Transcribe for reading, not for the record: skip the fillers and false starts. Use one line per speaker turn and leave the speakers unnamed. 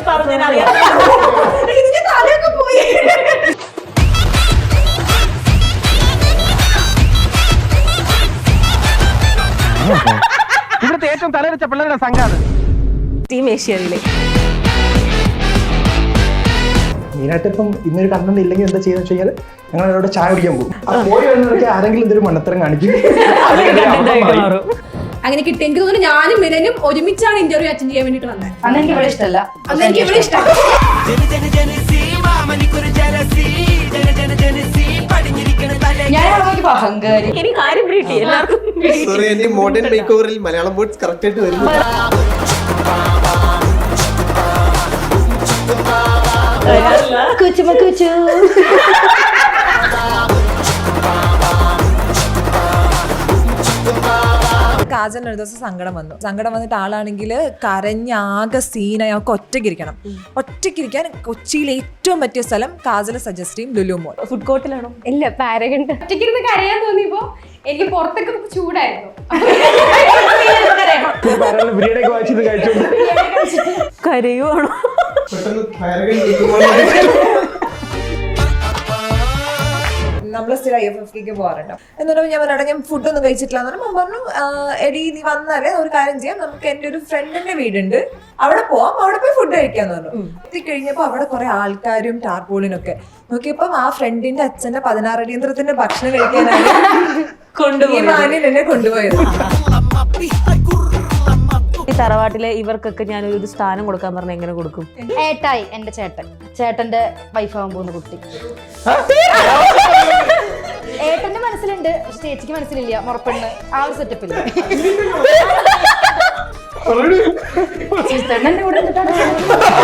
പറഞ്ഞറിയാം.
പോയി.
ഇവിടുത്തെ ഏറ്റവും തലവെച്ച പിള്ളേരുടെ സംഘാണ്
ടീം ഏഷ്യാവിലെ.
മെയിനായിട്ട് ഇപ്പം ഇന്നൊരു കണ്ടന്റ് ഇല്ലെങ്കിൽ എന്താ ചെയ്യുന്ന വെച്ച് കഴിഞ്ഞാൽ ഞങ്ങൾ അവിടെ ചായ കുടിക്കാൻ പോകും. ആ പോയി വരുന്നവർക്ക് ആരെങ്കിലും എന്തൊരു മണ്ടത്തരം കാണിക്കും.
അങ്ങനെ കിട്ടി. എനിക്ക് തോന്നുന്നു ഞാനും മിലനും ഒരുമിച്ചാണ് ഇന്റർവ്യൂ അറ്റൻഡ് ചെയ്യാൻ വേണ്ടിട്ട് വന്നത്.
അന്ന് എനിക്ക് ഇവിടെ ഇഷ്ടമല്ല.
അന്ന് എനിക്ക് ഇവിടെ ഇഷ്ടം.
ഞാൻ അഹങ്കാരി.
എനിക്ക് കാര്യം കിട്ടി എല്ലാവർക്കും.
സോറി, എന്റെ മോഡേൺ മേക്ക് ഓവറിൽ മലയാളം വേർഡ്സ് കറക്റ്റ് ആയിട്ട് വരുന്നു.
കാജലിന് ഒരു ദിവസം സങ്കടം വന്നിട്ട് ആളാണെങ്കിൽ കരഞ്ഞാകെ സീനായി. അവർക്ക് ഒറ്റയ്ക്കിരിക്കാൻ കൊച്ചിയിലെ ഏറ്റവും പറ്റിയ സ്ഥലം കാജൽ സജസ്റ്റ് ചെയ്യും ലുലു മോൾ.
ഫുഡ് കോർട്ടിലാണോ?
ഇല്ല, പാരഗണ്ട്.
ഒറ്റയ്ക്കിരുന്ന് കരയാൻ തോന്നിയപ്പോ എനിക്ക് പുറത്തൊക്കെ ചൂടായിരുന്നു.
ബിരിയാണിയൊക്കെ വായിച്ചിട്ട് കഴിച്ചോണ്ട്
കരയുവാണോ?
നമ്മൾ സ്ഥിരം IFFK പോകാറുണ്ട്. എന്നിട്ട് ഞാൻ പറഞ്ഞ ഞാൻ ഫുഡൊന്നും കഴിച്ചിട്ടില്ല എന്ന് പറഞ്ഞു. എടി നീ വന്നാലേ ഒരു കാര്യം ചെയ്യാം, നമുക്ക് എൻ്റെ ഒരു ഫ്രണ്ടിന്റെ വീടുണ്ട്, അവിടെ പോവാം, അവിടെ പോയി ഫുഡ് കഴിക്കാന്ന് പറഞ്ഞു. എത്തിക്കഴിഞ്ഞപ്പോ അവിടെ കുറെ ആൾക്കാരും ടാർപോളിനൊക്കെ നോക്കിയപ്പം ആ ഫ്രണ്ടിന്റെ അച്ഛന്റെ 16 അടിയന്തരത്തിന്റെ ഭക്ഷണം കഴിക്കാനാണ് ഈ മാന്യൻ എന്നെ കൊണ്ടുപോയത്.
ഈ തറവാട്ടിലെ ഇവർക്കൊക്കെ ഞാൻ ഒരു സ്ഥാനം കൊടുക്കാൻ പറഞ്ഞ എങ്ങനെ കൊടുക്കും?
ഏട്ടായി, എന്റെ ചേട്ടന്റെ വൈഫാവാൻ പോകുന്ന കുട്ടി. ഏട്ടന്റെ മനസ്സിലുണ്ട്, പക്ഷെ ചേച്ചിക്ക് മനസ്സിലില്ല. മുറപ്പെണ്ണ് ആ ഒരു സെറ്റപ്പില്ല.
എന്റെ കൂടെ